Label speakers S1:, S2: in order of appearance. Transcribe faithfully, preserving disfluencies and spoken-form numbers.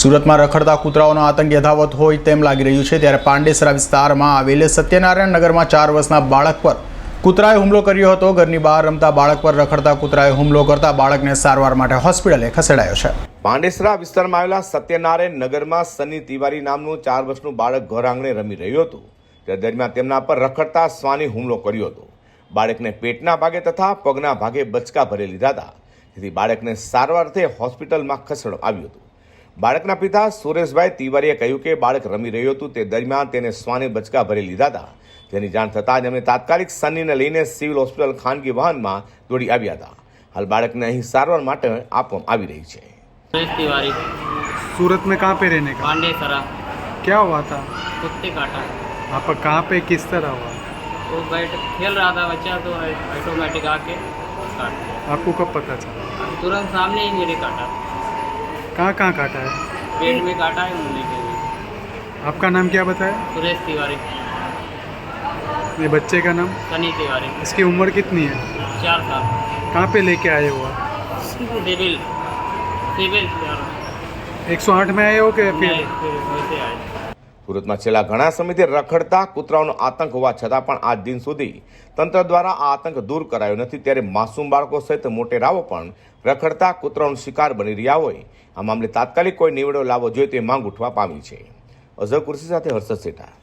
S1: સુરતમાં રખડતા કૂતરાઓનો આતંક યથાવત હોય તેમ લાગી રહ્યું છે, ત્યારે પાંડેસરા વિસ્તારમાં આવેલ સત્યનારાયણ નગરમાં ચાર વર્ષના બાળક પર કૂતરાએ હુમલો કર્યો હતો। ઘરની બહાર રમતા બાળક પર રખડતા કૂતરાએ હુમલો કરતા બાળકને સારવાર માટે હોસ્પિટલે ખસેડાયો છે।
S2: પાંડેસરા વિસ્તારમાં આવેલા સત્યનારાયણ નગરમાં સની તિવારી નામનું ચાર વર્ષનું બાળક ઘર આંગણે રમી રહ્યું હતું। તે દરમિયાન તેમના પર રખડતા શ્વાને હુમલો કર્યો હતો। બાળકને પેટના ભાગે તથા પગના ભાગે બચકા ભરી લીધા હતા, જેથી બાળકને સારવારથી હોસ્પિટલમાં ખસેડવામાં આવ્યું હતું। બાળકના પિતા સુરેશભાઈ તિવારીએ કહ્યું કે બાળક રમી રહ્યું હતું, તે દરમિયાન તેને શ્વાને બચકા ભરી લીધા હતા, જેની જાણ થતાં જ અમે તાત્કાલિક સનીને લઈને સિવિલ હોસ્પિટલ ખાનગી વાહનમાં દોડી આવ્યા હતા। હાલ બાળકને અહીં સારવાર માટે આપવામાં આવી રહી છે।
S3: सुरेश तिवारी,
S4: सूरत में कहाँ पे रहने का?
S3: पांडेसरा।
S4: क्या हुआ था?
S3: कुत्ते काटा।
S4: आप कहाँ पे किस तरह हुआ?
S3: वो बैठ खेल रहा था बच्चा, तो ऑटोमेटिक आके काट दिया।
S4: आपको कब पता चला?
S3: तुरंत सामने ही मेरे काटा,
S4: कहाँ कहाँ काटा है?
S3: पेट में काटा है, मुंह के भी।
S4: आपका नाम क्या बताया?
S3: सुरेश तिवारी,
S4: ये बच्चे का नाम?
S3: सनी तिवारी,
S4: इसकी उम्र कितनी है?
S3: चार साल।
S4: कहाँ पे लेके आए हो आप?
S3: सिविल सिविल
S4: एक सौ आठ में आए हो कि फिर?
S3: नहीं, फिर वैसे आए।
S2: સુરતમાં છેલ્લા ઘણા સમયથી રખડતા કૂતરાઓનો આતંક હોવા છતાં પણ આજ દિન સુધી તંત્ર દ્વારા આ આતંક દૂર કરાયો નથી, ત્યારે માસૂમ બાળકો સહિત મોટેરાઓ પણ રખડતા કૂતરાઓનો શિકાર બની રહ્યા હોય। આ મામલે તાત્કાલિક કોઈ નિવેડો લાવવો જોઈએ તે માંગ ઉઠવા પામી છે। અઝર કુર્સી સાથે હર્ષદ સેઠા।